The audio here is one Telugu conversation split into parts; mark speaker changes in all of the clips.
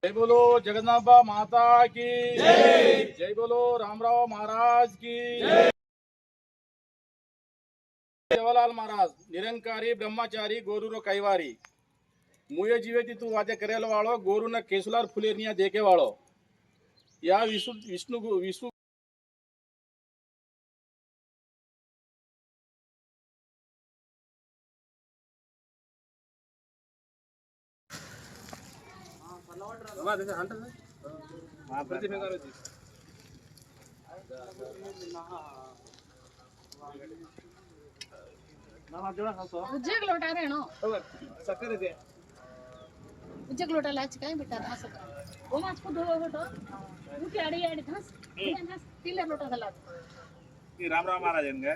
Speaker 1: जय बोलो जगन्नाथ माता की जय। जय बोलो रामराव महाराज की जय। जवाहरलाल महाराज निरंकारी ब्रह्मचारी गोरू कैवारी मुए जीवे तू वाद्य करेल वाळो गोरू न केसुलार फुलेरनिया देखे वाळो या विष्णु
Speaker 2: उज्जग लोटा ರೇಣು ಸಕ್ಕರೆ ಇದೆ उज्जग लोटा लाच काय बेटा असं ओ माच को धो होतो उठी आडी आडी थास थास तिले लोटा झाला
Speaker 1: की रामराव महाराज यांगे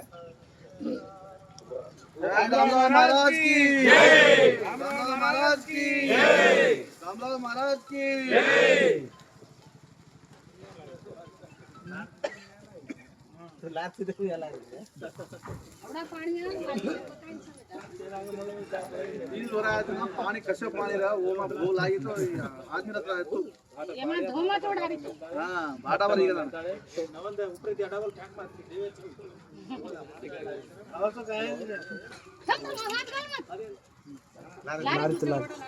Speaker 3: रामराव महाराज की जय। रामराव महाराज की जय। रामराव महाराज की जय। तो लात से देखो याला
Speaker 2: अपना पानी
Speaker 3: इन हो रहा है ना पानी कशा पानी रहा वो में वो लागी तो आदमी रख रहा है तो
Speaker 2: ये में धोमा तोड़ा रे
Speaker 3: हां बाटा भरी गया
Speaker 4: नवंदे ऊपर दी डबल फैक मारती देवे और तो काय
Speaker 2: हाथ कर मत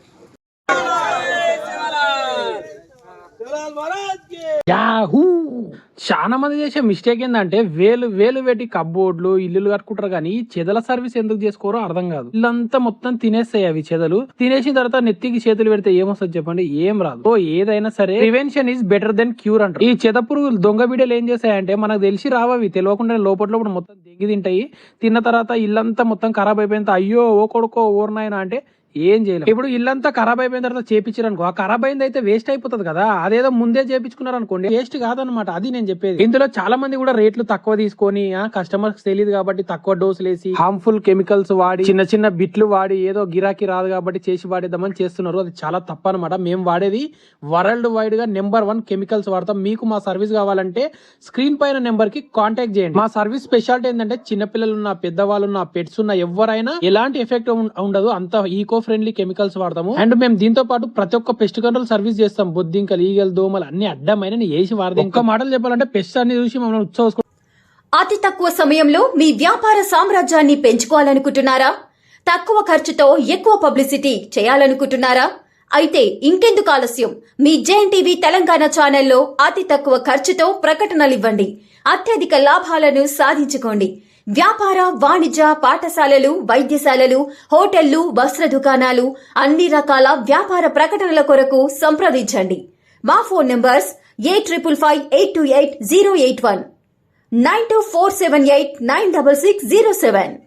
Speaker 5: యాహూ చాలా మంది చేసే మిస్టేక్ ఏంటంటే వేలు వేలు పెట్టి కబ్బోర్డ్లు ఇల్లులు కట్టుకుంటారు కానీ చెదల సర్వీస్ ఎందుకు చేసుకోరో అర్థం కాదు. ఇల్లంతా మొత్తం తినేస్తాయి అవి చెదలు. తినేసిన తర్వాత నెత్తికి చేతులు పెడితే ఏమొస్తుంది చెప్పండి? ఏం రాదు. సో ఏదైనా సరే prevention is better than cure అంటారు. ఈ చెద పురుగులు దొంగ బిడ్డలు ఏం చేస్తాయంటే మనకు తెలిసి రావవి తెలియకుండా లోపల మొత్తం దెంగి తింటాయి. తిన్న తర్వాత ఇల్లంతా మొత్తం ఖరాబ్ అయిపోయినంత అయ్యో ఓ కొడుకో ఓర్నాయన అంటే ఏం చేయలేదు. ఇప్పుడు ఇల్లంతా ఖరాబ్ అయిపోయిన తర్వాత చేపించారు అనుకో, ఆ ఖరాబ్ అయింది అయితే వేస్ట్ అయిపోతుంది కదా. అదేదో ముందే చేపించుకున్నారు అనుకోండి వేస్ట్ కాదనమాట. అది నేను చెప్పేది. ఇందులో చాలా మంది కూడా రేట్లు తక్కువ తీసుకొని కస్టమర్స్ తెలియదు కాబట్టి తక్కువ డోసులు వేసి హార్మ్ఫుల్ కెమికల్స్ వాడి చిన్న చిన్న బిట్లు వాడి ఏదో గిరాకీ రాదు కాబట్టి చేసి వాడేద్దామని చేస్తున్నారు. అది చాలా తప్పు అనమాట. మేము వాడేది వరల్డ్ వైడ్ గా నెంబర్ 1 కెమికల్స్ వాడతాం. మీకు మా సర్వీస్ కావాలంటే స్క్రీన్ పైన నెంబర్ కి కాంటాక్ట్ చేయండి. మా సర్వీస్ స్పెషాలిటీ ఏంటంటే చిన్నపిల్లలు ఉన్న పెద్దవాళ్ళు ఉన్న పెట్స్ ఉన్న ఎవరైనా ఎలాంటి ఎఫెక్ట్ ఉండదు. అంత ఈకో ఫ్రెండ్లీ కెమికల్స్ వాడతాము. అండ్ మేము దీంతో పాటు ప్రతి ఒక్క పెస్ట్ కంట్రోల్ సర్వీస్ చేస్తాం. బొద్దింకలు ఈగలు దోమలు అన్ని అడ్డమైన వేసి వాడదాం. ఇంకా మాటలు చెప్పాలంటే పెస్ట్ అన్ని చూసి మమ్మల్ని ఉత్సవం.
Speaker 6: అతి తక్కువ సమయంలో మీ వ్యాపార సామ్రాజ్యాన్ని పెంచుకోవాలనుకుంటున్నారా? తక్కువ ఖర్చుతో ఎక్కువ పబ్లిసిటీ చేయాలనుకుంటున్నారా? అయితే ఇంకెందుకు ఆలస్యం? మీ జేఎన్టీవీ తెలంగాణ ఛానల్లో అతి తక్కువ ఖర్చుతో ప్రకటనలివ్వండి. అత్యధిక లాభాలను సాధించుకోండి. వ్యాపార వాణిజ్య పాఠశాలలు వైద్యశాలలు హోటళ్లు వస్త్ర దుకాణాలు అన్ని రకాల వ్యాపార ప్రకటనల కొరకు సంప్రదించండి. మా ఫోన్ నంబర్స్ 8558288081 9247896607.